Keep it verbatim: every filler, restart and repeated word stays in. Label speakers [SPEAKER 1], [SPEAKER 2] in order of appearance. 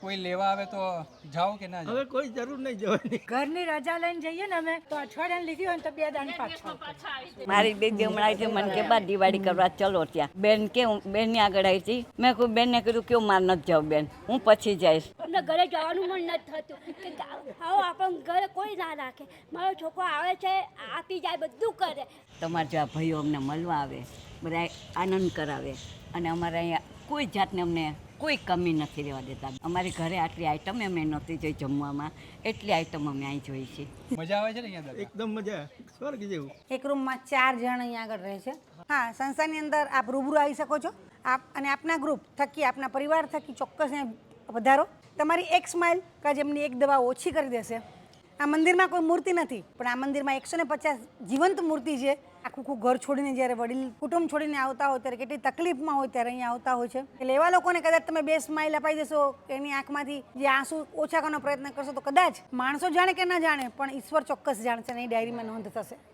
[SPEAKER 1] કોઈ લેવા આવે તો જાઓ કે ના જાઓ?
[SPEAKER 2] હવે કોઈ જરૂર નહીં જવાની.
[SPEAKER 3] ઘરની રજા લઈને જઈએ ને અમે તો અઠવાડિયાની લીધી હોય ને તો બે દાન પાછા
[SPEAKER 4] મારી બેબી હમણાં આવી હતી, મને કે બા દિવાળી કરવા ચલો ત્યાં. બેન કે હું બેનની આગળ આવી હતી, મેં કહ્યું બેનને કીધું કે હું માર નથી જાઉં બેન, હું પછી જઈશ.
[SPEAKER 5] અમને ઘરે જવાનું મન નથી થતું કે આવો આપણને ઘરે કોઈ ના રાખે. મારો છોકરો આવે છે, આપી જાય, બધું કરે.
[SPEAKER 4] તમારા જેવા ભાઈઓ અમને મળવા આવે, બધા આનંદ કરાવે, અને અમારે અહીંયા કોઈ જાતને અમને કોઈ કમી નથી રહેવા દેતા. અમારી ઘરે આટલી આઈટમ અમે નહોતી જોઈ જમવામાં, એટલી આઈટમ અમે અહીં જોઈ છે.
[SPEAKER 1] મજા આવે છે ને અહીંયા દાદા?
[SPEAKER 2] એકદમ મજા, સ્વર્ગ જેવું.
[SPEAKER 6] એક રૂમમાં ચાર જણ અહીંયા આગળ રહે છે. હા, સંસ્થાની અંદર આપ રૂબરૂ આવી શકો છો. આપ અને આપના ગ્રુપ થકી, આપના પરિવાર થકી ચોક્કસ અહીંયા વધારો. તમારી એક સ્માઇલ કે જેમની એક દવા ઓછી કરી દેશે. આ મંદિરમાં કોઈ મૂર્તિ નથી, પણ આ મંદિરમાં એકસો ને પચાસ જીવંત મૂર્તિ છે. આખું આખું ઘર છોડીને જ્યારે વડીલ કુટુંબ છોડીને આવતા હોય ત્યારે કેટલી તકલીફમાં હોય ત્યારે અહીંયા આવતા હોય છે. એટલે એવા લોકોને કદાચ તમે બે સ્માઇલ અપાઈ દેશો, એની આંખમાંથી જે આંસુ ઓછા કરવાનો પ્રયત્ન કરશો, તો કદાચ માણસો જાણે કે ના જાણે પણ ઈશ્વર ચોક્કસ જાણશે અને એ ડાયરીમાં નોંધ થશે.